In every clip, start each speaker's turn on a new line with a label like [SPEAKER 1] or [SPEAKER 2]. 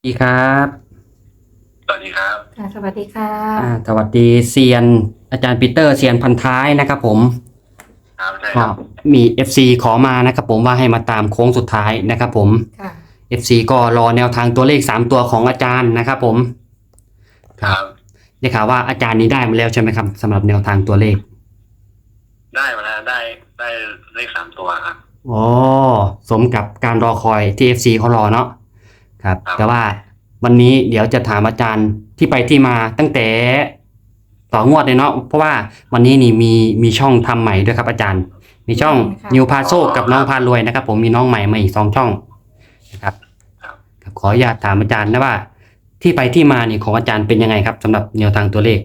[SPEAKER 1] ดีครับ
[SPEAKER 2] สวัสดีครับ
[SPEAKER 3] ค่ะสวัสดีค่ะ
[SPEAKER 1] สวัสดีเซียนอาจารย์ปีเตอร์เซียนพันท้ายนะครับผม
[SPEAKER 2] ครับใช่ค
[SPEAKER 1] ก็
[SPEAKER 2] รับ
[SPEAKER 1] มี FC ขอมานะครับผมว่าให้มาตามโค้งสุดท้ายนะครับผม
[SPEAKER 3] ค่ะ
[SPEAKER 1] FC ก็รอแนวทางตัวเลข3ตัวของอาจารย์นะครับผมครับ
[SPEAKER 2] ครับ
[SPEAKER 1] ได้ข่าวว่าอาจารย์นี้ได้มาแล้วใช่ไหมครับสำหรับแนวทางตัวเลข
[SPEAKER 2] ได้มาแล้วได้เลข3 ตัวครับ
[SPEAKER 1] อ๋อสมกับการรอคอยที่ FC เขารอเนาะครับ
[SPEAKER 2] ครับ
[SPEAKER 1] แต่ว่าวันนี้เดี๋ยวจะถามอาจารย์ที่ไปที่มาตั้งแต่ต่องวดเลยเนาะเพราะว่าวันนี้นี่มีช่องทำใหม่ด้วยครับอาจารย์มีช่องนิวพาโซกับน้องพารวยนะครับผมมีน้องใหม่มาอีก2 ช่องนะครับ
[SPEAKER 2] ครับ
[SPEAKER 1] ขออนุญาตถามอาจารย์นะว่าที่ไปที่มานี่ของอาจารย์เป็นยังไงครับสำหรับแนวทางตัวเลข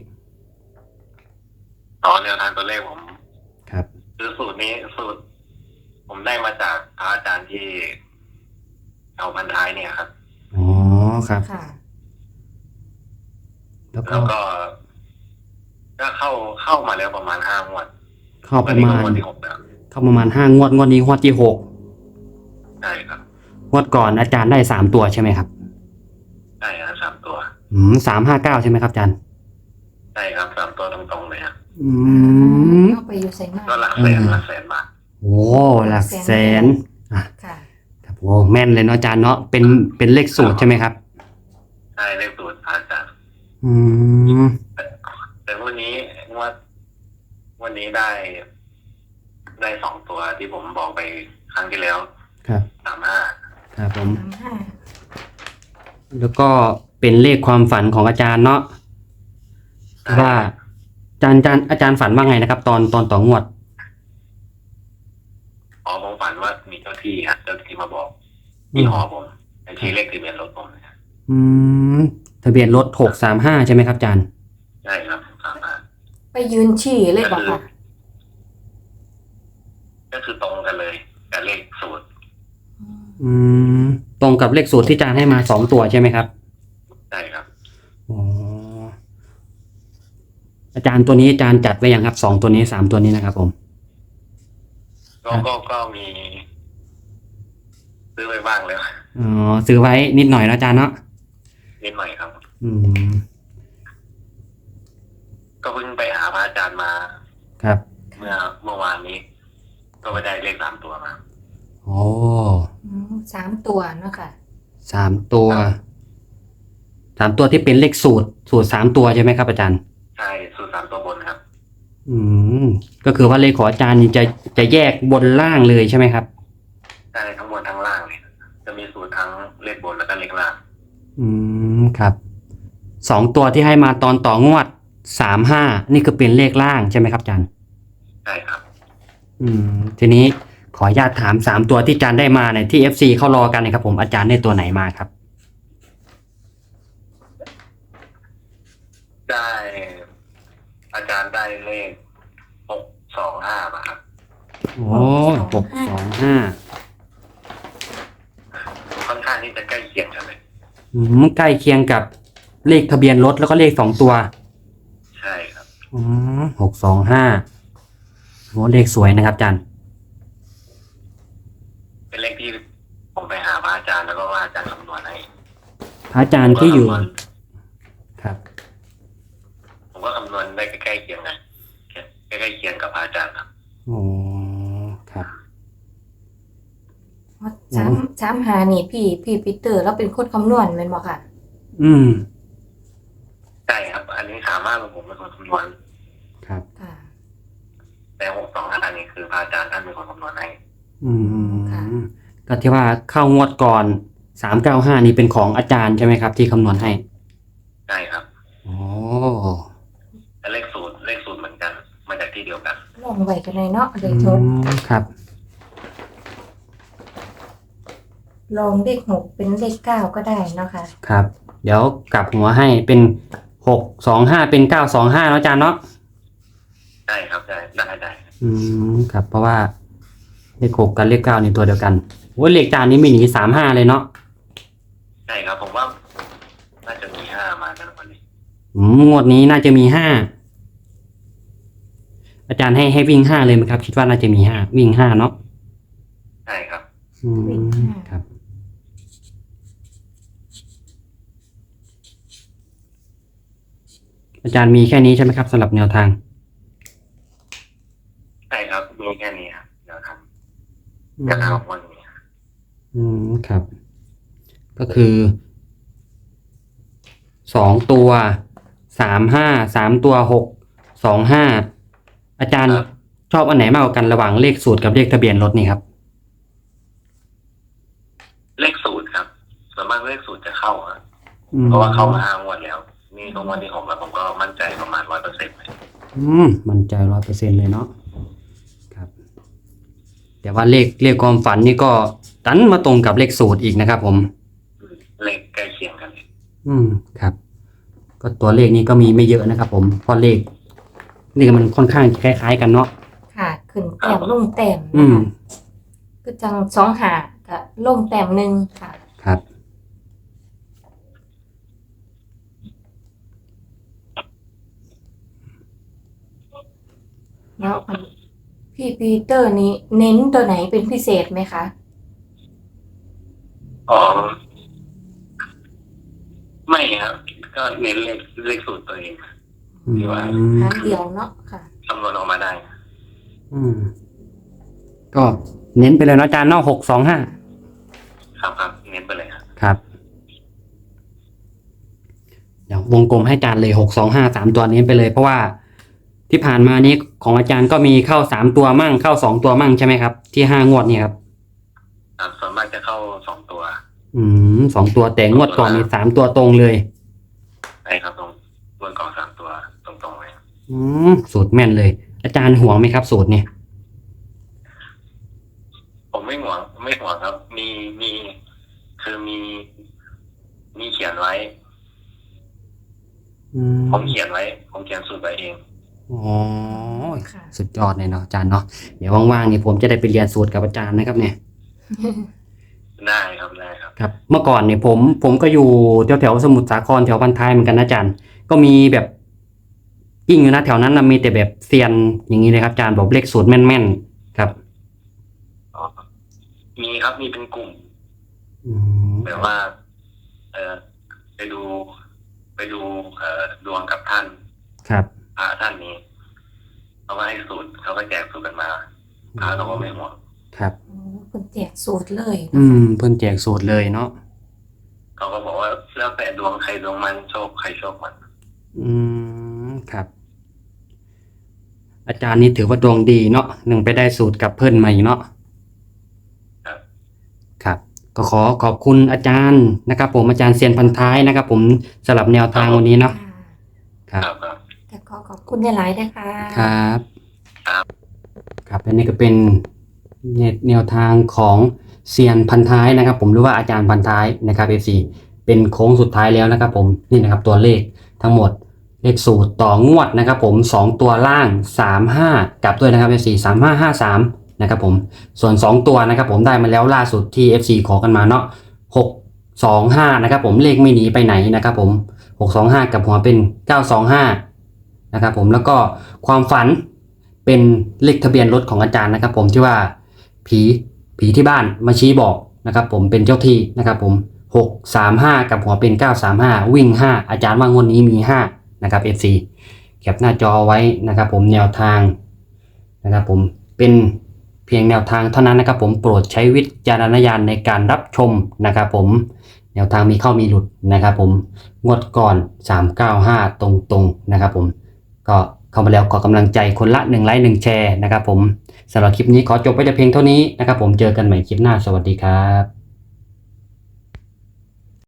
[SPEAKER 2] ต่อแนวทางตัวเลขผม
[SPEAKER 1] ครับ
[SPEAKER 2] คือสูตรผมได้มาจากพระอาจารย์ที่เอาพันท้ายเนี่ยครับ
[SPEAKER 1] อ๋อครับ
[SPEAKER 3] ค่ะ
[SPEAKER 1] แล้วก็
[SPEAKER 2] แล้วก็เข้ามาแล้วประมาณ5 งวด
[SPEAKER 1] เข้าประมาณ
[SPEAKER 2] งวดที่6แล้ว
[SPEAKER 1] เข้าประมาณ5 งวดนี้งวดที่6
[SPEAKER 2] ใช่ครับ
[SPEAKER 1] งวดก่อนอาจารย์ได้3 ตัวใช่ไหมครับ
[SPEAKER 2] ใช่ครับ3 ตัว
[SPEAKER 1] 359ใช่ไหมครับอาจารย์
[SPEAKER 2] ใช่ครับ3 ตัวตรงๆเลยครับ
[SPEAKER 1] อืม
[SPEAKER 3] เข้าไปอยู่ไซมา
[SPEAKER 2] ก็หลักแสนบาท
[SPEAKER 1] โอ้หลักแสนอ่ะ
[SPEAKER 3] ค่ะ
[SPEAKER 1] ครับโอ้แม่นเลยเนาะอาจารย์เนาะเป็นเลขสูตรใช่ไหมครับ
[SPEAKER 2] ใช่เลขสูตรพระอาจารย์
[SPEAKER 1] อืม
[SPEAKER 2] แต่วันนี้ได้2 ตัวที่ผมบอกไปครั้งที่แล้ว
[SPEAKER 1] ครับ
[SPEAKER 2] 35
[SPEAKER 1] ครับผม
[SPEAKER 3] 35
[SPEAKER 1] แล้วก็เป็นเลขความฝันของอาจารย์เนาะว่าอาจารย์ฝันว่าไงนะครับตอนต่องวด
[SPEAKER 2] ผมฝันว่ามีเจ้าที่ครับเจ้าที่มาบอกที่หอผมในที่เลขทะเบียนรถผมนะครับ
[SPEAKER 1] อืมทะเบียนรถ635ใช่ไหมครับอาจารย์
[SPEAKER 2] ใช่ครับ
[SPEAKER 3] ไปยืนฉี่เลยบอกค่ะ
[SPEAKER 2] ก็คือตรงกันเลยกับเลขสูตร
[SPEAKER 1] อืมตรงกับเลขสูตรที่อาจารย์ให้มา2 ตัวใช่ไหมครับ
[SPEAKER 2] ใช่ครับ
[SPEAKER 1] อ๋ออาจารย์ตัวนี้อาจารย์จัดไว้ยังครับ2 ตัวนี้3 ตัวนี้นะครับผม
[SPEAKER 2] ก็มีซื้อไปบ้างแล้ว
[SPEAKER 1] อ๋อซื้อไว้นิดหน่อยนะอาจารย์เนาะ
[SPEAKER 2] นิดหน่อยครับ
[SPEAKER 1] อืม
[SPEAKER 2] ก็เพิ่งไปหาพระอาจารย์มา
[SPEAKER 1] ครับ
[SPEAKER 2] เมื่อวานนี้ ก็ไปได้เลข3 ตัวมา
[SPEAKER 1] โอ้
[SPEAKER 3] 3 ตัวเนาะค่ะ
[SPEAKER 1] 3 ตัว3 ตัวที่เป็นเลขสูตร3 ตัวใช่ไหมครับอาจารย์
[SPEAKER 2] ใช่สูตร3 ตัวบนครับ
[SPEAKER 1] อืมก็คือว่าเลขของอาจารย์นี่จะแยกบนล่างเลยใช่ไหมครับ
[SPEAKER 2] ใช่ทั้งบนทั้งล่างเลยจะมีสูตรทั้งเลขบนแล้วก็เลขล่าง
[SPEAKER 1] อืมครับ2 ตัวที่ให้มาตอนต่องวด35นี่คือเป็นเลขล่างใช่ไหมครับอาจารย์
[SPEAKER 2] ใช่ครับ
[SPEAKER 1] ทีนี้ขออนุญาตถาม3 ตัวที่อาจารย์ได้มาเนี่ยที่ FC เขารอกันนะครับผมอาจารย์ได้ตัวไหนมาครับ
[SPEAKER 2] ได้อาจารย์ได้เลข625มาครับ
[SPEAKER 1] โอ้625
[SPEAKER 2] ค่อนข้างที่จะใกล้เคียงกันเลย
[SPEAKER 1] ใกล้เคียงกับเลขทะเบียนรถแล้วก็เลข2 ตัว
[SPEAKER 2] ใช่ครับ
[SPEAKER 1] 625โอ้เลขสวยนะครับอาจารย์
[SPEAKER 2] เป็นเลขที่ผมไปหาพระอาจารย์แล้วก็ว่าอาจารย์คำนวณให้
[SPEAKER 1] พระอาจารย์ที่อยู่ครับ
[SPEAKER 2] ผมก็คำนวณได้ใกล้เคียงกันใกล้เคียงกับพระอาจารย์ครับ
[SPEAKER 1] โอ้ครับ
[SPEAKER 3] 3 หานี่พี่ปีเตอร์แล้วเป็นคนคำนวณแม่นบ่ค่ะ
[SPEAKER 2] ใช่ครับอันนี้35ของผมเป็นคนคำนวณ
[SPEAKER 1] ครับ
[SPEAKER 3] ค่ะ
[SPEAKER 2] แต่625นี่คือพระอาจารย์ท่านเป็นคนคำนวณให้
[SPEAKER 3] ค่ะ
[SPEAKER 1] ก็ที่ว่าเข้างวดก่อน395นี่เป็นของอาจารย์ใช่ไหมครับที่คำนวณให้
[SPEAKER 2] ใช่ครับ
[SPEAKER 1] โอ้
[SPEAKER 2] แต่เลขสูตรเหมือนกันมาจากที่เดียวกัน
[SPEAKER 3] ลองไว้กันเลยเนาะเลขทด
[SPEAKER 1] ครับ
[SPEAKER 3] ลองเลข6เป็นเลข9ก็ได้เนาะค่ะ
[SPEAKER 1] ครับเดี๋ยวกลับหัวให้เป็น625เป็น925แล้วอาจารย์เนาะ
[SPEAKER 2] ใช่ครับได้
[SPEAKER 1] ครับเพราะว่าเลข6กับเลข9นี่ตัวเดียวกันโอ้เลขอาจารย์นี้ไม่หนี35เลยเนาะ
[SPEAKER 2] ใช่ครับผมว่าน่าจะมี5มานะวันนี้
[SPEAKER 1] งวดนี้น่าจะมี5อาจารย์ให้วิ่ง5เลยไหมครับคิดว่าน่าจะมี5วิ่ง5เนาะ
[SPEAKER 2] ใช่ครับ
[SPEAKER 1] ครับอาจารย์มีแค่นี้ใช่ไหมครับสำหรับแนวทาง
[SPEAKER 2] ใช่ครับมีแค่นี้ครับเดี๋ยวครับจะทำวันนี้ครับ
[SPEAKER 1] ครับ ก็คือ2 ตัว35 3 ตัว6 25อาจารย์ชอบอันไหนมากกว่ากันระหว่างเลขสูตรกับเลขทะเบียนรถนี่ครับ
[SPEAKER 2] เลขสูตรครับส่วนมากเลขสูตรจะเข้าครับเพราะว่าเข้ามา5 งวดแล้วนี่ตรงวันที่6แล้วผมก็มั่นใจประมาณ100%เลย
[SPEAKER 1] มั่นใจ100%เลยเนาะครับ แต่ว่าเลขความฝันนี่ก็ดันมาตรงกับเลขสูตรอีกนะครับผม
[SPEAKER 2] เลขใกล้เคียงกันเลย
[SPEAKER 1] ครับ ก็ตัวเลขนี้ก็มีไม่เยอะนะครับผมเพราะเลขมันค่อนข้างคล้ายๆกันเนาะ
[SPEAKER 3] ค่ะขึ้นแต้มลงแต้ม
[SPEAKER 1] อื
[SPEAKER 3] นะ
[SPEAKER 1] ม
[SPEAKER 3] คะก็จัง2 หากับลงแต้มหนึ่งค่ะ
[SPEAKER 1] ครับ
[SPEAKER 3] แล้วพี่ปีเตอร์นี้เน้นตัวไหนเป็นพิเศษไหมคะ
[SPEAKER 2] อ๋อไม่ครับ ก็เน้นเลขสูตรตัวเอง ที่ว่า
[SPEAKER 3] หางเดียวเนาะค่ะ
[SPEAKER 2] คำนวณออกมาได้
[SPEAKER 1] ก็เน้นไปเลยเนาะอาจารย์เนาะ625
[SPEAKER 2] ครับเน้นไปเลยครับ
[SPEAKER 1] ครับเดี๋ยววงกลมให้อาจารย์เลย625 3 ตัวเน้นไปเลยเพราะว่าที่ผ่านมานี้ของอาจารย์ก็มีเข้า3 ตัวมั่งเข้า2 ตัวมั่งใช่ไหมครับที่5 งวดเนี่ยครับ
[SPEAKER 2] ส่วนมากจะเข้า2 ตัว
[SPEAKER 1] 2 ตัวแต่งวดก่อนมี3 ตัวตรงเลย
[SPEAKER 2] ใช่ครับตรงบนกล่อง3 ตัวตรงๆเลย
[SPEAKER 1] สูตรแม่นเลย อาจารย์ห่วงไหมครับ สูตรเนี่ย
[SPEAKER 2] ผมไม่ห่วงครับ มีคือมีเขียนไว้ ผมเขียนสูตรไว้เอง
[SPEAKER 1] อ๋อ
[SPEAKER 3] ค่ะ
[SPEAKER 1] สุดยอดเลยเนาะอาจารย์เนาะเดี๋ยวว่างๆนี่ผมจะได้ไปเรียนสูตรกับอาจารย์นะครับเนี่ย
[SPEAKER 2] ได้ครับ
[SPEAKER 1] ครับ เมื่อก่อนเนี่ยผมก็อยู่แถวสมุทรสาครแถวพันท้ายเหมือนกันนะอาจารย์ก็มีแบบยิ่งอยู่นะแถวนั้นนะมีแต่แบบเซียนอย่างนี้เลยครับอาจารย์บอกเลขสูตรแม่นๆครับ
[SPEAKER 2] มีครับมีเป็นกลุ่ม แบบว่า ไปดูดวงกับท่าน
[SPEAKER 1] ครับ
[SPEAKER 2] พระท่านนี้เขาก็ให้สูตรเขาก็แจกสูตรกันมาพระเราก็ไม่ห่วง
[SPEAKER 1] ครับ
[SPEAKER 3] โอ้คุณแจกสูตรเลย
[SPEAKER 1] เพิ่นแจกสูตรเลยเนาะ
[SPEAKER 2] เขาก็บอกว่าแล้วแต่ดวงใครดวงมันโชคใครโชคมัน
[SPEAKER 1] ครับ อาจารย์นี่ถือว่าดวงดีเนาะไปได้สูตรกับเพิ่นมาอีกเนาะ
[SPEAKER 2] ครับ
[SPEAKER 1] ครับก็ขอบคุณอาจารย์นะครับผมอาจารย์เซียนพันท้ายนะครับผมสำหรับแนวทางวันนี้เนาะครับ
[SPEAKER 3] แต่ขอบคุณหลายๆนะคะ
[SPEAKER 1] ครับครับและนี่ก็เป็นแนวทางของเซียนพันท้ายนะครับผมหรือว่าอาจารย์พันท้ายนะครับ FC เป็นโค้งสุดท้ายแล้วนะครับผมนี่นะครับตัวเลขทั้งหมดเลขสูตรต่องวดนะครับผม2 ตัวล่าง35กลับด้วยนะครับ FC 3553นะครับผมส่วน2 ตัวนะครับผมได้มาแล้วล่าสุดที่ FC ขอกันมาเนาะ625นะครับผมเลขไม่หนีไปไหนนะครับผม625กับหัวเป็น925นะครับผมแล้วก็ความฝันเป็นเลขทะเบียนรถของอาจารย์นะครับผมที่ว่าผีที่บ้านมาชี้บอกนะครับผมเป็นเจ้าที่นะครับผม635กับหัวเป็น935วิ่ง5อาจารย์ว่างวดนี้มี5นะครับ FC แคปหน้าจอไว้นะครับผมแนวทางนะครับผมเป็นเพียงแนวทางเท่านั้นนะครับผมโปรดใช้วิจารณญาณในการรับชมนะครับผมแนวทางมีเข้ามีหลุดนะครับผมงวดก่อน395ตรงๆนะครับผมก็เข้ามาแล้วขอกำลังใจคนละ1 ไลค์ 1 แชร์นะครับผมสำหรับคลิปนี้ขอจบไว้แต่เพียงเท่านี้นะครับผมเจอกันใหม่คลิปหน้าสวัสดีครับ